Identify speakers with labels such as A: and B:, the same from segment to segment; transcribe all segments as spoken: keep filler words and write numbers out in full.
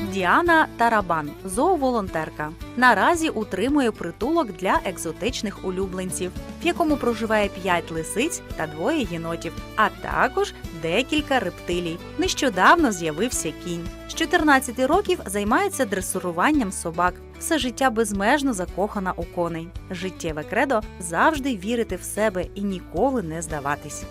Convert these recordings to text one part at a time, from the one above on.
A: Діана Тарабан – зооволонтерка. Наразі утримує притулок для екзотичних улюбленців, в якому проживає п'ять лисиць та двоє єнотів, а також декілька рептилій. Нещодавно з'явився кінь. З чотирнадцяти років займається дресуруванням собак. Все життя безмежно закохана у коней. Життєве кредо – завжди вірити в себе і ніколи не здаватись.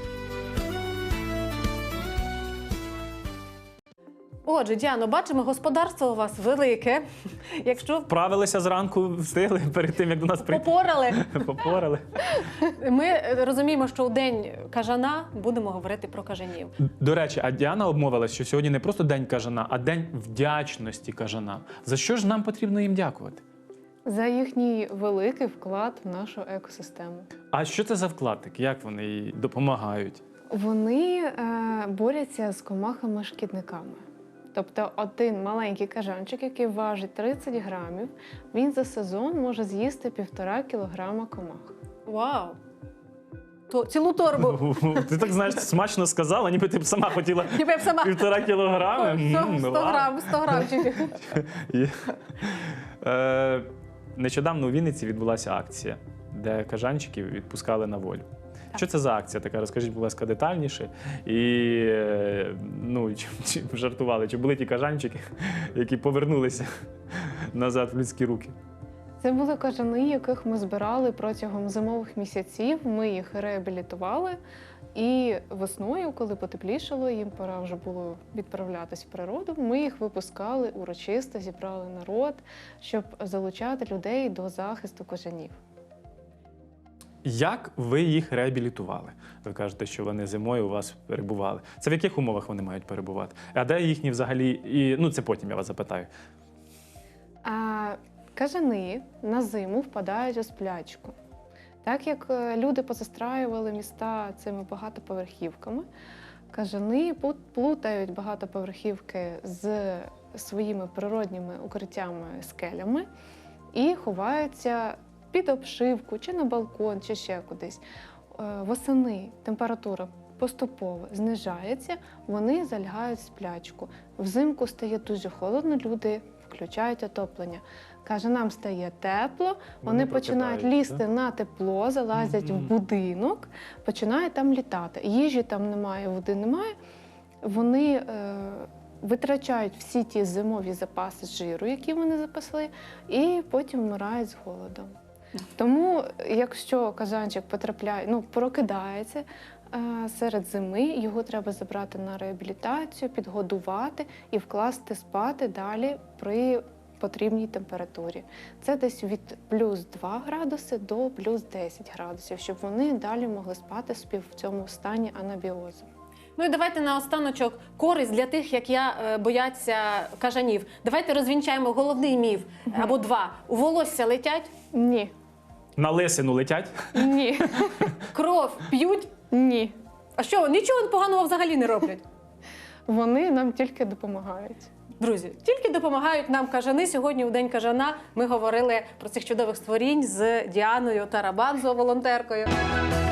B: Отже, Діано, бачимо, господарство у вас велике. Якщо
C: Вправилися зранку, встигли перед тим, як до нас прийти.
B: попорали,
C: Попорали.
B: ми розуміємо, що у день кажана будемо говорити про кажанів.
C: До речі, а Діана обмовилась, що сьогодні не просто День кажана, а День вдячності кажанам. За що ж нам потрібно їм дякувати?
D: За їхній великий вклад в нашу екосистему.
C: А що це за вклад такий? Як вони їй допомагають?
D: Вони е, борються з комахами-шкідниками. Тобто один маленький кажанчик, який важить тридцять грамів, він за сезон може з'їсти півтора кілограма комах.
B: Вау! То, цілу торбу.
C: Ти так, знаєш, смачно сказала, ніби ти б сама хотіла
B: Ніби я б сама
C: півтора кілограми.
B: сто,
C: М,
B: сто
C: ладно.
B: грам, сто грамчиків.
C: Є. Е, Нещодавно у Вінниці відбулася акція, де кажанчиків відпускали на волю. Що це за акція така? Розкажіть, будь ласка, детальніше. І, е, ну, чи, чи жартували, чи були ті кажанчики, які повернулися назад в людські руки?
D: Це були кажани, яких ми збирали протягом зимових місяців. Ми їх реабілітували. І весною, коли потеплішало, їм пора вже було відправлятись в природу, ми їх випускали урочисто, зібрали народ, щоб залучати людей до захисту кажанів.
C: Як ви їх реабілітували? Ви кажете, що вони зимою у вас перебували. Це в яких умовах вони мають перебувати? А де їхні взагалі, і, ну це потім я вас запитаю.
D: А кажани на зиму впадають у сплячку. Так як люди позастраювали міста цими багатоповерхівками, кажани плутають багатоповерхівки з своїми природніми укриттями, скелями і ховаються під обшивку, чи на балкон, чи ще кудись. Восени температура поступово знижається, вони залягають в сплячку. Взимку стає дуже холодно, люди включають отоплення. Каже, нам стає тепло, вони,
C: Вони
D: починають
C: прокидаються,
D: лізти на тепло, залазять
C: Мгм.
D: в будинок, починають там літати. Їжі там немає, води немає. Вони е, витрачають всі ті зимові запаси жиру, які вони запасли, і потім вмирають з голодом. Тому, якщо кажанчик потрапляє, ну, прокидається е, серед зими, його треба забрати на реабілітацію, підгодувати і вкласти спати далі при потрібній температурі. Це десь від плюс два градуси до плюс десять градусів, щоб вони далі могли спати собі в цьому стані анабіозу.
B: Ну і давайте наостаночок користь для тих, як я, е, бояться кажанів. Давайте розвінчаємо головний міф або два. У волосся летять,
D: Ні.
C: На лисину летять?
D: Ні.
B: кров п'ють.
D: Ні.
B: А що, нічого поганого взагалі не роблять?
D: Вони нам тільки допомагають.
B: Друзі, тільки допомагають нам кажани. Сьогодні у День кажана ми говорили про цих чудових створінь з Діаною Тарабан, зооволонтеркою.